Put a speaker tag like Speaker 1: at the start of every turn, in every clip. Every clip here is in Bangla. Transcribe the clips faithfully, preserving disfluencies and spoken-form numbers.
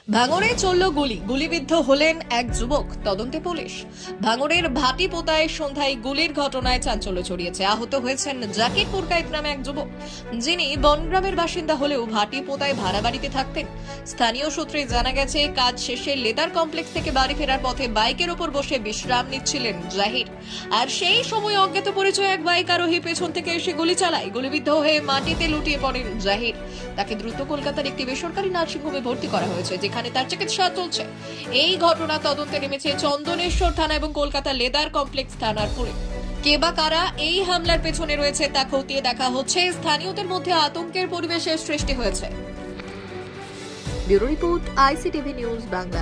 Speaker 1: ভাঙড়ে চলল গুলি গুলিবিদ্ধ হলেন এক যুবক, তদন্তে পুলিশ। ভাঙড়ের ভাটিপোতায় সন্ধ্যায় গুলির ঘটনায় চাঞ্চল্য ছড়িয়েছে। আহত হয়েছেন জাকির পুরকাইত নামে এক যুবক, যিনি বনগ্রামের বাসিন্দা হলেও ভাটিপোতায় ভাড়া বাড়িতে থাকতেন। স্থানীয় সূত্রে জানা গেছে, কাজ শেষে লেদার কমপ্লেক্স থেকে বাড়ি ফেরার পথে বাইকের ওপর বসে বিশ্রাম নিচ্ছিলেন জাহির। আর সেই সময় অজ্ঞাত পরিচয় এক বাইক আরোহী পেছন থেকে এসে গুলি চালায়। গুলিবিদ্ধ হয়ে মাটিতে লুটিয়ে পড়েন জাহির। তাকে দ্রুত কলকাতার একটি বেসরকারি নার্সিংহোমে ভর্তি করা হয়েছে, যেখানে তার চিকিৎসা চলছে। এই ঘটনা তদন্তে নেমেছে চন্দনেশ্বর থানা এবং কলকাতা লেদার কমপ্লেক্স থানার পুলিশ। কে বা কারা এই হামলার পেছনে রয়েছে তা খতিয়ে দেখা হচ্ছে। স্থানীয়দের মধ্যে আতঙ্কের পরিবেশের সৃষ্টি হয়েছে। Bureau report, ICTV news Bangla.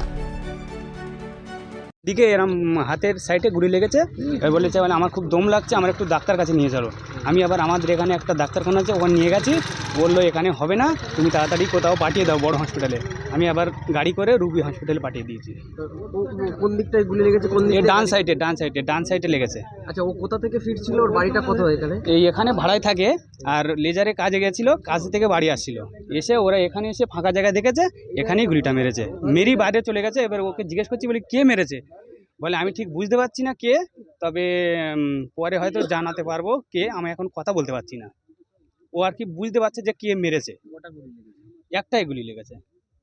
Speaker 2: দিকে এরম হাতের সাইডে গুলি লেগেছে। এবার বলেছে মানে আমার খুব দম লাগছে, আমার একটু ডাক্তার কাছে নিয়ে চলো। আমি আবার আমাদের এখানে একটা ডাক্তারখানা আছে, ওখানে নিয়ে গেছি। বললো এখানে হবে না, তুমি তাড়াতাড়ি কোথাও পাঠিয়ে দাও বড় হসপিটালে। আমি আবার গাড়ি করে রুবি হসপিটালে পাঠিয়ে দিয়েছি।
Speaker 3: কোন দিকটায় গুলি লেগেছে? কোন দিকে?
Speaker 2: ডান সাইডে ডান সাইডে ডান সাইডে লেগেছে।
Speaker 3: আচ্ছা, ও কোথা থেকে ফিরছিল? ওর বাড়িটা কোথায় এখানে?
Speaker 2: এই এখানে ভাড়ায় থাকে, আর লেজারে কাজে গেছিলো, কাজ থেকে বাড়ি আসছিল। এসে ওরা এখানে এসে ফাঁকা জায়গায় দেখেছে, এখানেই গুলিটা মেরেছে। মেরি বাইরে চলে গেছে। এবার ওকে জিজ্ঞেস করছি, বলি কে মেরেছে? বলে আমি ঠিক বুঝতে পারছি না কে, তবে পরে হয়তো জানাতে পারবো কে। আমি এখন কথা বলতে পারছি না। ও আর কি বুঝতে পারছে যে কে মেরেছে। একটাই গুলি লেগেছে।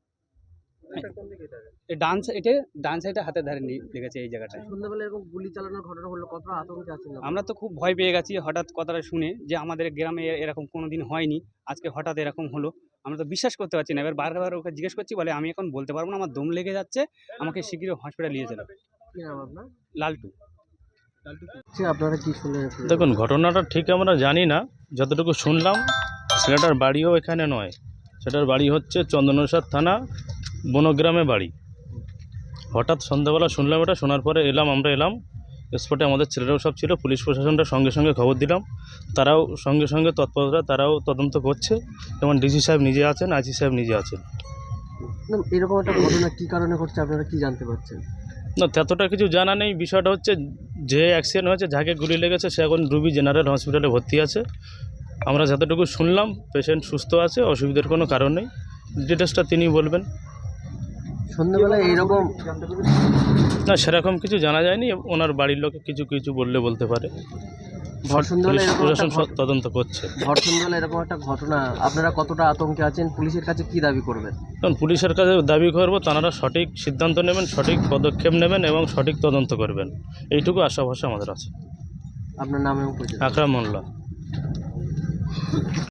Speaker 2: ডান সাইডে ডান সাইডে হাতের ধারে লেগেছে এই জায়গাটায়।
Speaker 3: সন্ধ্যাবেলা এরকম গুলি চালানোর ঘটনা হলো, কতটা আতঙ্কে আছেন?
Speaker 2: আমরা তো খুব ভয় পেয়ে গেছি হঠাৎ কথাটা শুনে, যে আমাদের গ্রামে এরকম কোনোদিন হয়নি, আজকে হঠাৎ এরকম হলো। আমরা তো বিশ্বাস করতে পারছি না। এবার বারবার ওকে জিজ্ঞেস করছি, বলে আমি এখন বলতে পারবো না, আমার দম লেগে যাচ্ছে, আমাকে শীঘ্রই হসপিটাল নিয়ে চলো।
Speaker 3: কি নাম আপনার?
Speaker 2: লালটু।
Speaker 3: আপনারা কি শুনলেন?
Speaker 4: দেখুন, ঘটনাটা ঠিক আমরা জানি না। যতটুকু শুনলাম, ছেলেটার বাড়িও এখানে নয়, সেটার বাড়ি হচ্ছে চন্দনেশ্বর থানা বনগ্রামে বাড়ি। হঠাৎ সন্ধ্যাবেলা শুনলাম এটা, শোনার পরে এলাম, আমরা এলাম স্পটে। আমাদের ছেলেরাও সব ছিল, পুলিশ প্রশাসনটা সঙ্গে সঙ্গে খবর দিলাম। তারাও সঙ্গে সঙ্গে তৎপরতা, তারাও তদন্ত করছে। যেমন ডিসি সাহেব নিজে আছেন, আইসি সাহেব নিজে আছেন।
Speaker 3: এরকম একটা ঘটনা কি কারণে ঘটছে আপনারা কি জানতে পারছেন?
Speaker 4: না, ততটা কিছু জানা নেই। বিষয়টা হচ্ছে, যে অ্যাক্সিডেন্ট হয়েছে, যাকে গুলি লেগেছে, সে এখন রুবি জেনারেল হসপিটালে ভর্তি আছে। আমরা যতটুকু শুনলাম, পেশেন্ট সুস্থ আছে, অসুবিধার কোনো কারণ নেই। ডিটেলসটা তিনি বলবেন।
Speaker 3: সন্ধ্যাবেলায় এইরকম
Speaker 4: না, সেরকম কিছু জানা যায়নি। ওনার বাড়ির লোকে কিছু কিছু বললে বলতে পারে।
Speaker 3: ভর সন্ধ্যাবেলা
Speaker 4: পুলিশ
Speaker 3: এরকম
Speaker 4: প্রশাসন
Speaker 3: একটা ঘট-
Speaker 4: তদন্ত করছে।
Speaker 3: ভর সন্ধ্যাবেলা এরকম একটা ঘটনা, আপনারা কতটা আতঙ্কে আছেন? পুলিশের কাছে কি দাবি করবেন?
Speaker 4: কারণ পুলিশের কাছে দাবি করবো, তাঁরা সঠিক সিদ্ধান্ত নেবেন, সঠিক পদক্ষেপ নেবেন এবং সঠিক তদন্ত করবেন, এইটুকু আশা ভরসা আমাদের আছে।
Speaker 3: আপনার নাম এবং পরিচয়?
Speaker 4: আকরাম মোল্লা।